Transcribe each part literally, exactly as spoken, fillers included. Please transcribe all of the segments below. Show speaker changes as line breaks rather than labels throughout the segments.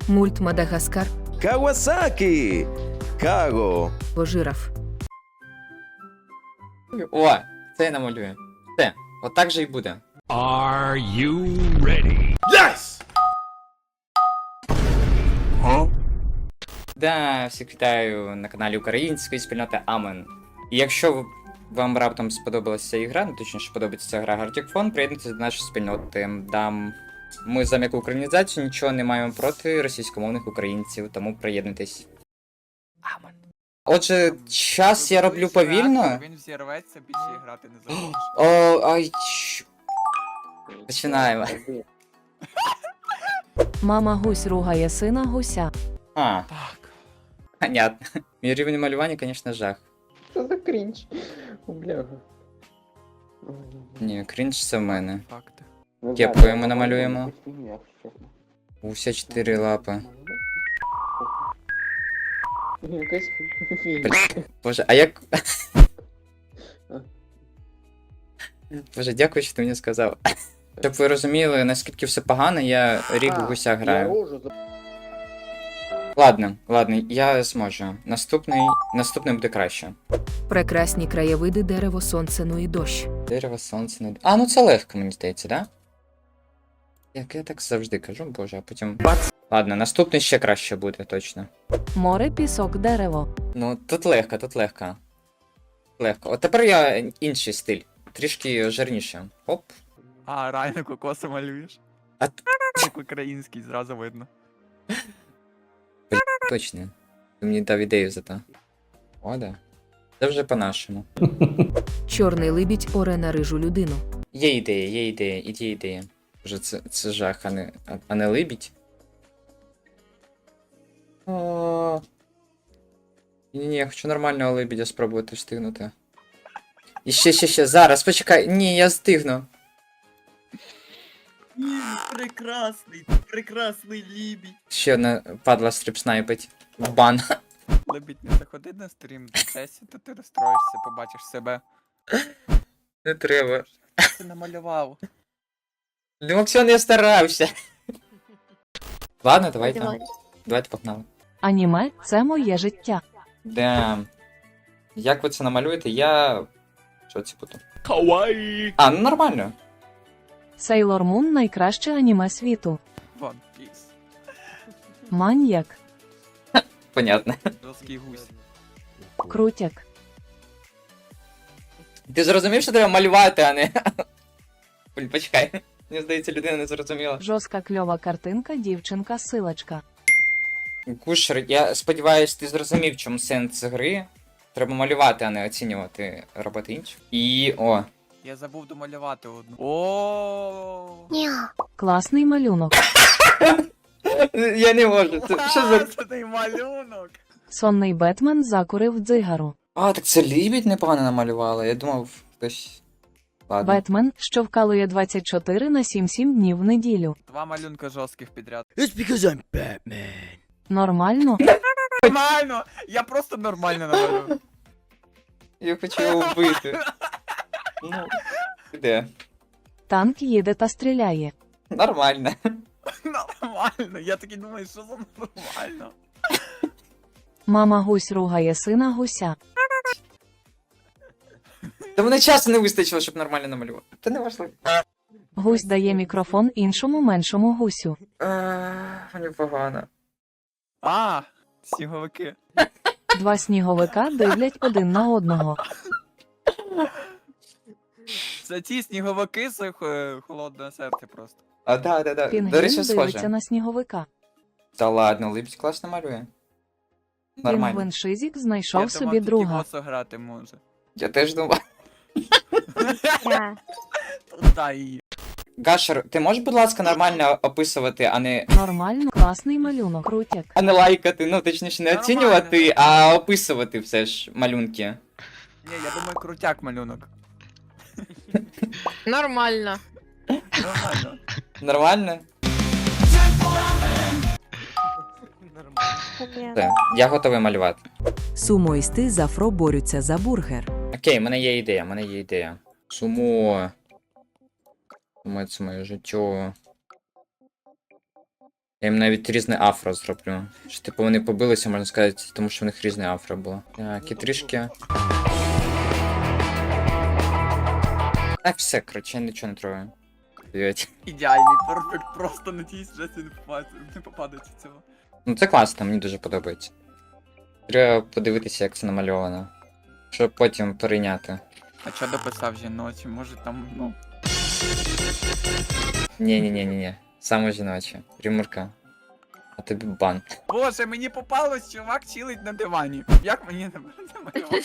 Мульт Мадагаскар.
Кавасакі! Каго!
Жираф.
О, це я намалюю. Все, отак же і буде.
Are you ready?
Yes!
Да, всіх вітаю на каналі української спільноти Амен. І якщо вам раптом сподобалася ця ігра, ну точніше подобається ця гра Gartic Phone, приєднуйтесь до нашої спільноти. Дам... Ми за м'яку українізацію нічого не маємо проти російськомовних українців, тому приєднуйтесь. Амен. Отже, час я роблю повільно.
Він взірветься, більше грати не захочеш.
О, ай, чш. Починаємо.
Мама гусь ругає сина гуся.
А,
Так.
понятно. Мій рівень малювання, звісно, жах.
Що за крінж? О, бляха.
Ні, крінж це в мене.
Факти.
Ну,
Кепкою
да,
ми
я
намалюємо.
думаю, що фігня, якщо чесно.
Уся чотири лапи.
Якась фігня.
Боже, а як. Боже, дякую, що ти мені сказав. Щоб ви розуміли, наскільки все погано, я рік
А,
гуся
я
граю.
рожу за-
Ладно, ладно, я зможу. Наступний. Наступний буде краще.
Прекрасні краєвиди, дерево, сонце, ну і дощ.
Дерево, сонце, не. А, ну це легко, мені здається, да? Як я так завжди кажу, боже, а потім. Ладно, наступний ще краще буде, точно.
Море, пісок, дерево.
Ну, тут легко, тут легко. Легко. От тепер я інший стиль. Трішки жирніше. Оп.
А, реально кокоси малюєш?
А
Як український, зразу видно.
Точно. Ти мені дав ідею за то. О, да. Це вже по-нашому.
Чорний либідь оре на рижу людину.
Є ідея, є ідея, іді ідея. Вже це, це жах, а не, а, а не либідь. О. Ні-ні, я хочу нормального либідя спробувати встигнути. І ще, ще, ще, зараз, почекай. Ні, я встигну.
Ні, прекрасний, прекрасний лібідь.
Ще одна падла стріп-снайпить. В бан.
Лебідь, не заходи на стрім до сесії, то ти розстроїшся, побачиш себе.
Не треба.
Що ти намалював?
Ну, Максион, я старався. Ладно, давайте. Давайте погнали.
Аніме це моє життя.
Дем. Як ви це намалюєте, я. Що це буду?
Kawaii!
А, ну нормально.
Сейлор Мун найкраще аніме світу.
Вон, піс.
Маньяк.
Понятно.
Жорсткий гусь.
Крутяк.
Ти зрозумів, що треба малювати, а не. Блін, почекай. Мені здається, людина не зрозуміла.
Жорстка кльова картинка, дівчинка, силачка.
Кушер, я сподіваюся, ти зрозумів, в чому сенс гри. Треба малювати, а не оцінювати, робити інше. І. О.
Я забув домалювати одну. О.
Класний малюнок.
Я не можу. Це що за.
Це той малюнок.
Сонний Бетмен закурив дзигару.
А, так це лібідь непогано намалювала. Я думав, хтось. Ладно.
Бетмен, що вкалує двадцять чотири на сім сім днів в неділю.
Два малюнка жорстких підряд.
It's because I'm Batman.
Нормально.
Нормально! Я просто нормально намалюю.
Я хочу його вбити. Ну, де?
Танк їде та стріляє.
Нормально.
Нормально. Я такий думаю, що за нормально.
Мама гусь ругає сина гуся.
Та мене часу не вистачило, щоб нормально намалювати. Та не важливо.
Гусь дає мікрофон іншому меншому гусю.
Мені погано.
А, сніговики.
Два сніговика дивлять один на одного.
Це ті сніговики з е, холодне серце просто.
А, да, да, да. До
Пінгвін
речі,
дивиться
схоже.
на сніговика.
Та ладно, либідь класно малює. Нормально.
Пінгвін Шизік знайшов
Я
собі
думав, тільки
друга.
Госо грати може.
Я теж думав.
Та і.
Гашер, ти можеш, будь ласка, нормально описувати, а не.
Нормально, класний малюнок, крутяк.
А не лайкати, ну точніше не
Нормально.
оцінювати, а описувати все ж малюнки.
Ні, я думаю, крутяк малюнок.
Нормально.
Нормально.
Нормально? Все, я готовий малювати.
Сумоїсти з Афро борються за бургер.
Окей, в мене є ідея, в мене є ідея. Сумо. Сумо, це моє життя. Я їм навіть різне афро зроблю. Що, типу, вони побилися, можна сказати, тому що в них різне афро було. Так, і трішки. Так, все, коротше, я нічого не трою. Блять.
Ідеальний, перфект, просто на тій сюжеті не попадеться, не попадеться цього.
Ну це класно, мені дуже подобається. Треба подивитися, як це намальовано. Щоб потім перейняти.
А чо дописав жіночі? Може там, ну.
Ні-ні-ні-ні-ні. Саме жіноче. Рімурка. А тобі бан.
Боже, мені попалось, чувак чилить на дивані. Як мені не намалювати?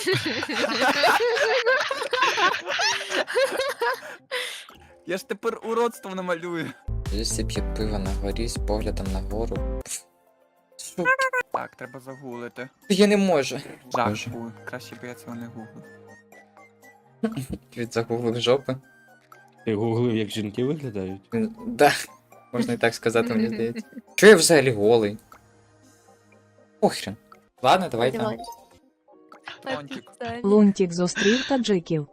Я ж тепер уродство намалюю.
Лісі п'є пиво на горі з поглядом нагору. Пф. Що?
Так, треба загуглити.
Я не можу.
Жах,
Боже.
фу, краще б я цього не гуглив.
Від загуглив жопи.
Ти гуглив, як жінки виглядають?
Він- Да. Можна і так сказати, мені здається. Чого я взагалі голий? Похрен. Ладно, давайте.
Тончик.
Лунтік зустрів таджиків.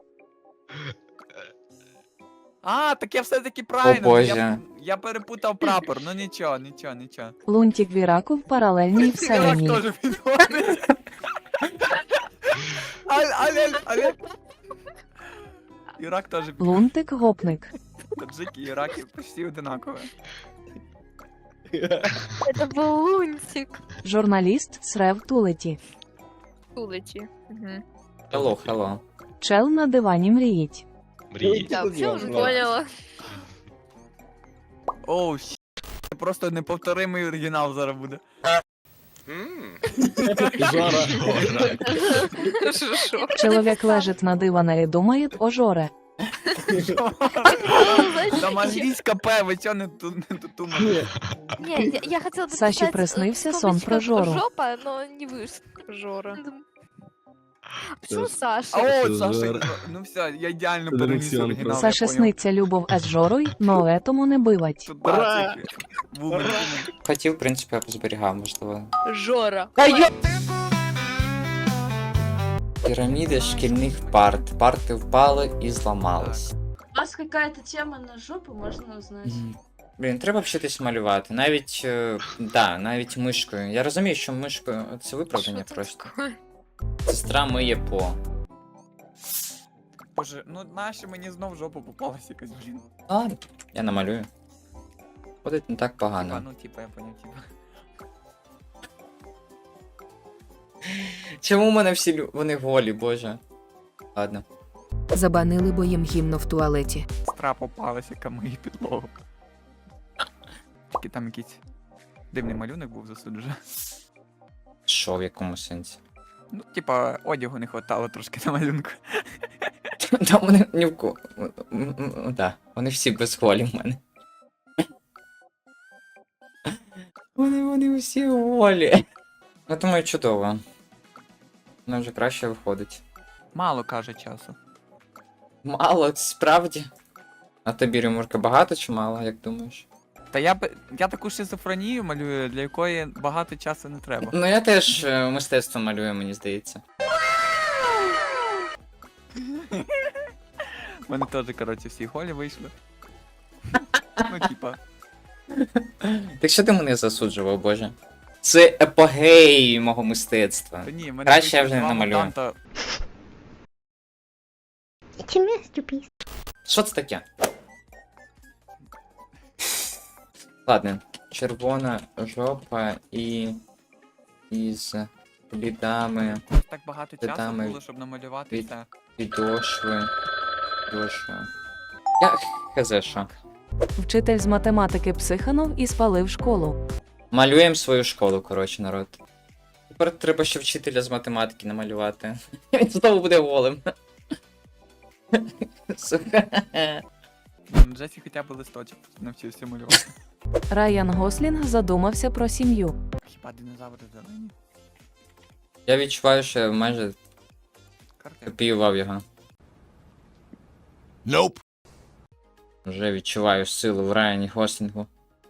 А, так я все-таки правильно.
О, Боже.
Я, я перепутав прапор, ну нічого, нічого, нічого.
Лунтік Віраку в паралельній
Ірак
вселенні.
теж підходить. Аль, аль, аль, аль. Ірак теж підходить.
Лунтик гопник.
Таджики і Іраки почти одинакові.
Это был лунтик.
Журналіст срев тулеті.
Улети. Угу.
Hello, hello.
Чел на дивані мріїть.
Да, все уже поняла.
Оу, щ. Просто неповторимий оригінал зараз буде.
Шо?
Чоловік лежить на диване і думає о жоре.
Там англійська П, ви чого не ту не тутумали?
Не, я, я хотела бы
Саші
написать,
приснився
э,
сон про
скобочка
Жору.
Жопа, но не вышло. Жора. Почему Саша?
А от,
Жора.
Саша, ну, ну все, я ідеально
Це
переніс
Олексіан
оригінал, я
Саші
поняв.
сниться любов із жорою, но етому не бивать.
Тут да, це вумен, вумен.
Хотів, в принципі, я б зберігав, можливо.
Жора.
Піраміди шкільних парт. Парти впали і зламались.
У вас какая-то тема на жопу, можно узнать?
Блін, треба вчитись малювати. Навіть, е, да, навіть мишкою. Я розумію, що мишкою це виправдання просто. Сестра миє по.
Боже, ну нащо мені знов в жопу попалась якась, блін.
Ладно, я намалюю. Буде не так
Типа,
погано.
ну типа, я поняв, типа.
Чому в мене всі лю... вони голі, боже. Ладно.
Забанили, бо їм гімно в туалеті.
Сестра попалась, яка миє підлогу. Тільки там якийсь дивний малюнок був засуджений.
Що в якому сенсі?
Ну, типа, одягу не хватало трошки на малюнку.
Та вони ні в кого. Так, вони всі без голі в мене. Вони, вони всі голі. Я думаю, чудово. Воно вже краще виходить.
Мало каже часу.
Мало, справді. А тобі, Римурка, багато чи мало, як думаєш?
Та я б. Я таку шизофренію малюю, для якої багато часу не треба.
Ну я теж е, мистецтво малюю, мені здається.
У мене теж, коротше, всі голі вийшли. Ну, типа.
Так що ти мене засуджував, боже? Це епогей мого мистецтва.
Та ні, в мене
Краще я
вийшли
вже не
два
намалюю.
мутанта.
Що це таке? Ладно, червона жопа і. із слідами
Так багато
Та
часу
там і
було, щоб намалювати
від-
це.
підошви. Підошви. Я хз що.
Вчитель з математики психанув і спалив школу.
Малюємо свою школу, коротше, народ. Тепер треба ще вчителя з математики намалювати. Він знову буде голим. Сука.
Ну, Джесі хоча б листочок навчився малювати.
Райан Гослінг задумався про сім'ю.
Хіба динозаври зелені?
Я відчуваю, що я майже
Карти.
копіював його.
Nope.
Вже відчуваю силу в Райані Гослінгу.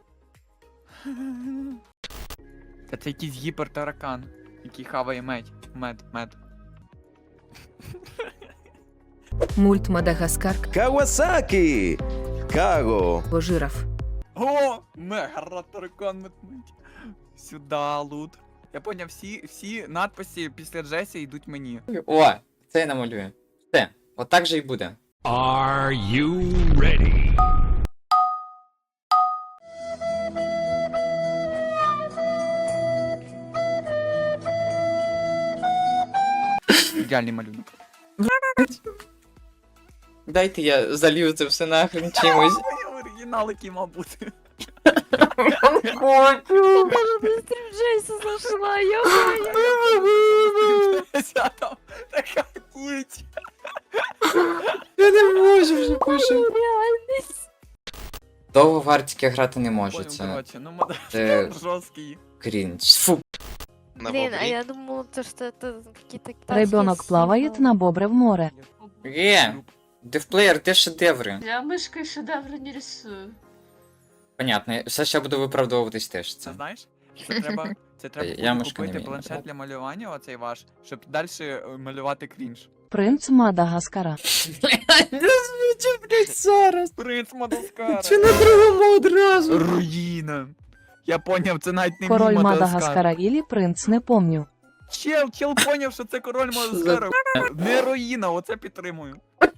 Та це якийсь гіпертаракан, який хаває мед. Мед, мед.
Мульт Мадагаскар
Кавасакі. Каго.
бо жираф.
О, мегараторикон метнуть. Сюда, лут. Я поняв, всі, всі надписи після Джесі йдуть мені.
О, це я намалюю. Все, отак же і буде.
Are you ready?
Ідеальний малюнок.
Дайте я залью це все нахрен чимось.
Ой, оригінал, який мав бути.
Хочу.
Джейса зашла, йо.
Ця там така ніч.
Я не можу вже пишу. Довго в Артіки грати не можу,
Понял,
це
короче, ну модер
Це-
жорсткий.
крінж. Фу.
Блин, а я думала, то, что это какие-то китайские
Ребенок плавает
символы.
на бобре в море.
Є, девплеєр, де шедеври?
Я мышкой шедевры не рисую.
Понятно, все ще буду виправдовуватись теж
Це
це.
знаєш? Це треба, це треба
Я
буде
мишку не
купити
вмію
планшет
набирати.
для малювання, оцей ваш, щоб далі малювати крінж.
Принц Мадагаскара.
Не звучить, блядь, зараз.
Принц Мадагаскара.
Чи на другому одразу?
Руїна. Я поняв, це навіть не
Король
мій Мадагаскар.
Мадагаскара ілі принц, не помню.
Чел, чел поняв, що це король Мадагаскара. Не руїна, оце підтримую.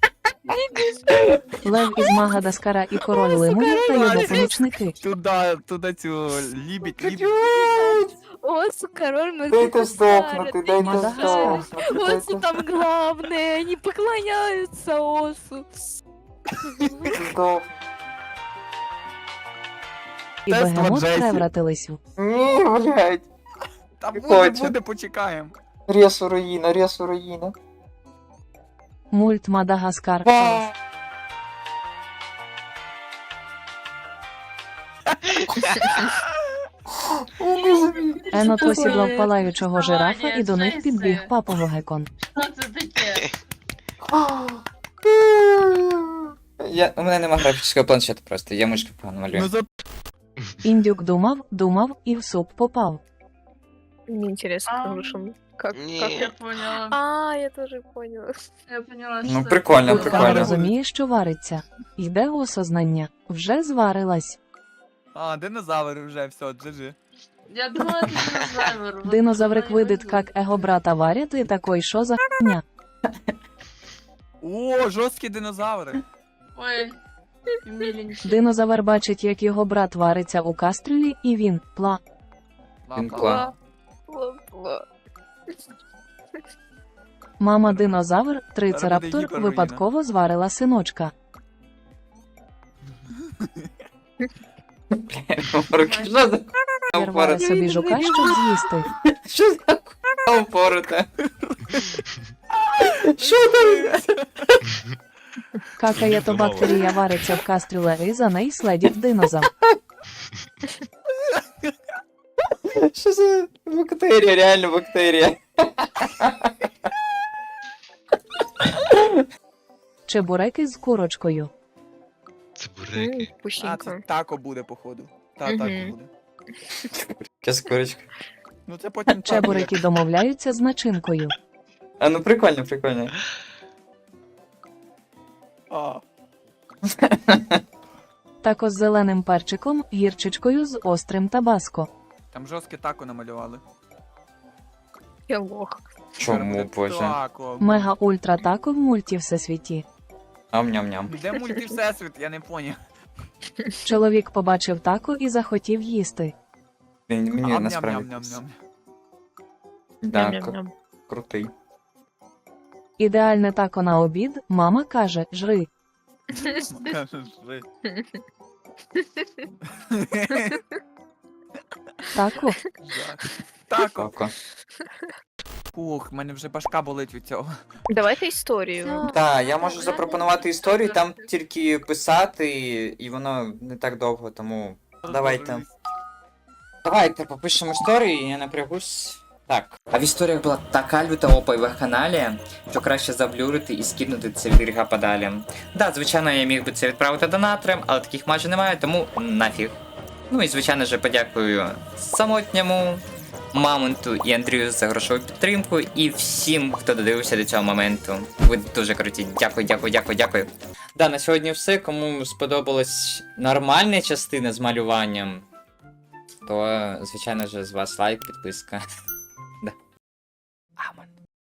Лев із Мадагаскара і король лимонів та його помічники.
Туди, туди цю лібідь, лібідь.
Осу, король
Дайте
Мадагаскара.
здохнути, дайте
Мадагаскар.
здохнути.
Осу там главное, они поклоняются Осу.
І
Тест
бегемот
Джесі.
превратились в
Ні, блядь.
Та буде,
Хочу.
буде, почекаємо.
Ресу руїна, ресу руїна.
мульт Мадагаскар.
Ва.
Енот осідлав палаючого жирафа і до них підбіг папа Гекон.
Я, у мене нема графічного планшету просто, я мишки погано малюю.
Ну за
Індюк думав, думав і в суп попав.
Мне интересно, как вышел. Как, как я поняла. А, я тоже поняла. Я поняла,
Ну прикольно,
Там
прикольно.
розуміє, що вариться. Йде осознання. Вже зварилась.
А, динозавр вже, все, джи-джи.
Я думала, это динозавр.
Динозаврик видит, как его брата варят, и такой, що за хуйня?
О, жорсткі динозаври.
Ой, миленький.
Динозавр бачить, як його брат вариться у кастрюлі, і він пла.
Він кла.
Мама динозавр,
Зараз
трицераптор,
буде гіперруїна.
випадково зварила синочка.
Що за
Рвала
упороте?
собі жука, щоб з'їсти.
Що за хуйня упороте? Що там?
Какає то бактерія вариться в кастрюле, і за неї следить динозавр.
Що за бактерія, реально бактерія?
Чебуреки з курочкою.
М,
А,
Вкусненько.
це тако буде, походу. Та,
Мгм.
тако буде.
Якась курочка.
Ну це потім тако,
Чебуреки домовляються з начинкою.
А ну прикольно, прикольно.
як- А,
Тако з зеленим перчиком, гірчичкою з острим табаско.
там жорстке тако намалювали.
Я лох.
Тепер
Чому,
буде
боже?
Тако.
Мега-ультра тако в мульті всесвіті.
Ам-ням-ням.
Де мульти всесвіт, я не поняв.
Чоловік побачив тако і захотів їсти.
Мені мені
Ам,
насправді.
ням-ням-ням-ням.
Да,
Ням-ням-ням.
кру- крутий.
Ідеальне тако на обід, мама каже, жри.
Кажеш, жи.
Тако.
Жах. Тако.
Тако.
Ух, в мене вже башка болить від цього.
Давайте історію.
Так, я можу запропонувати історію, там тільки писати, і воно не так довго, тому давайте. Давайте попишемо історію, і я напрягусь. Так. А в історіях була така люта опа в їх каналі, що краще заблюрити і скинути це від гріха подалі. Да, звичайно, я міг би це відправити донаторам, але таких майже немає, тому нафіг. Ну і звичайно же подякую самотньому Мамонту і Андрію за грошову підтримку, і всім, хто додивився до цього моменту. Ви дуже круті. Дякую, дякую, дякую, дякую. Да, на сьогодні все. Кому сподобалась нормальна частина з малюванням, то, звичайно ж, з вас лайк, підписка.